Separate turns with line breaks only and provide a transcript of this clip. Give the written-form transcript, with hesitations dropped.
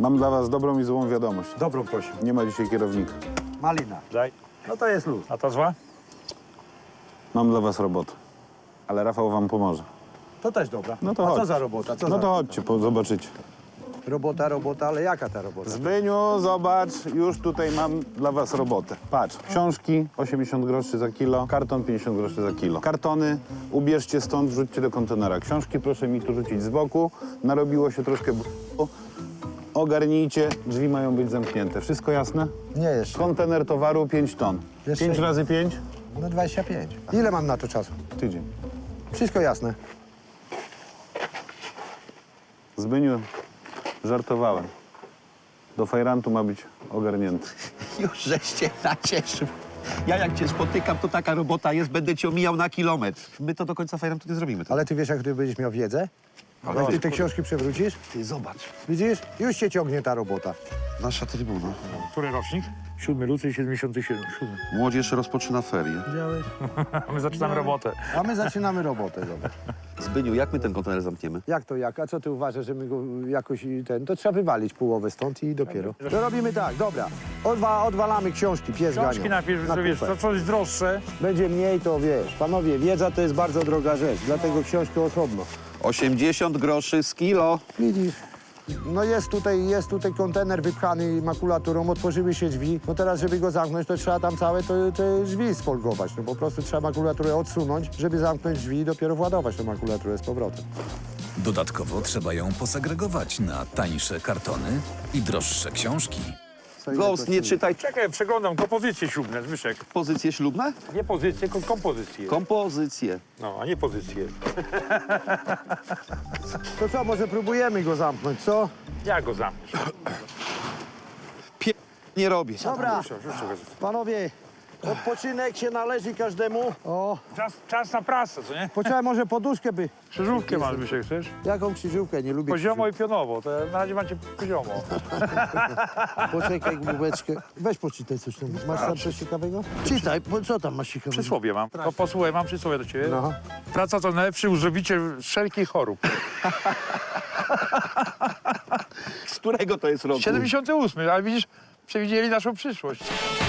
Mam dla was dobrą i złą wiadomość.
Dobrą proszę.
Nie ma dzisiaj kierownika.
Malina.
Daj.
No to jest luz.
A ta zła?
Mam dla was robotę. Ale Rafał wam pomoże.
To też dobra.
No to
A co
chodź.
za robota? Co
No
za...
to chodźcie, zobaczycie.
Robota, ale jaka ta robota?
Zbyniu, zobacz, już tutaj mam dla was robotę. Patrz, książki 80 groszy za kilo, karton 50 groszy za kilo. Kartony ubierzcie stąd, wrzućcie do kontenera. Książki proszę mi tu rzucić z boku. Narobiło się troszkę ogarnijcie, drzwi mają być zamknięte. Wszystko jasne?
Nie jeszcze.
Kontener towaru 5 ton.
Jeszcze
5 razy 5?
No 25. Ile mam na to czasu?
Tydzień.
Wszystko jasne.
Zbyniu, żartowałem. Do fajrantu ma być ogarnięty.
Już żeście nacieszył. Ja jak cię spotykam, to taka robota jest, będę cię omijał na kilometr. My to do końca fajram tu nie zrobimy.
Ale ty wiesz, jak ty będziesz miał wiedzę? Ale ty te książki przewrócisz?
Ty zobacz.
Widzisz? Już cię ciągnie ta robota.
Nasza trybuna.
Który rocznik? 7 luty 77. 7.
Młodzież rozpoczyna ferie.
Widziałeś?
My zaczynamy robotę.
A my zaczynamy robotę, zobacz.
Zbyniu, jak my ten kontener zamkniemy?
Jak to jak? A co ty uważasz, że my go jakoś to trzeba wywalić połowę stąd i dopiero. To robimy tak, dobra. Odwalamy książki, pies
Książki
ganią.
najpierw,
Na
że wiesz,
kupę.
to coś droższe.
Będzie mniej, to wiesz. Panowie, wiedza to jest bardzo droga rzecz, dlatego książkę osobno.
80 groszy z kilo.
Widzisz? No jest tutaj kontener wypchany makulaturą, otworzyły się drzwi. No teraz, żeby go zamknąć, to trzeba tam całe te drzwi sfolgować. No po prostu trzeba makulaturę odsunąć, żeby zamknąć drzwi i dopiero władować tę makulaturę z powrotem.
Dodatkowo trzeba ją posegregować na tańsze kartony i droższe książki.
Ghost, nie czytaj
Czekaj, przeglądam kompozycje ślubne, Zbyszek.
pozycje ślubne?
Nie pozycje, tylko kompozycje.
Kompozycje.
No, a nie pozycje.
To co, może próbujemy go zamknąć, co?
Ja go zamknę.
Nie robię.
Dobra,
Rzuć go.
panowie, odpoczynek się należy każdemu. O,
Czas na pracę, co nie?
poczekaj, może poduszkę by.
Krzyżówkę masz, Zbyszek, chcesz?
Jaką krzyżówkę? Nie lubię
Poziomo i pionowo, to na razie macie poziomo.
Poczekaj, główeczkę. Weź poczytaj coś tam. Masz tam coś ciekawego? Czytaj, bo co tam masz ciekawego?
Przysłowie mam. To posłuchaj, mam przysłowie do ciebie.
No.
Praca to najlepszy uzdrowiciel wszelkich chorób.
Z którego to jest roku?
78, ale widzisz, przewidzieli naszą przyszłość.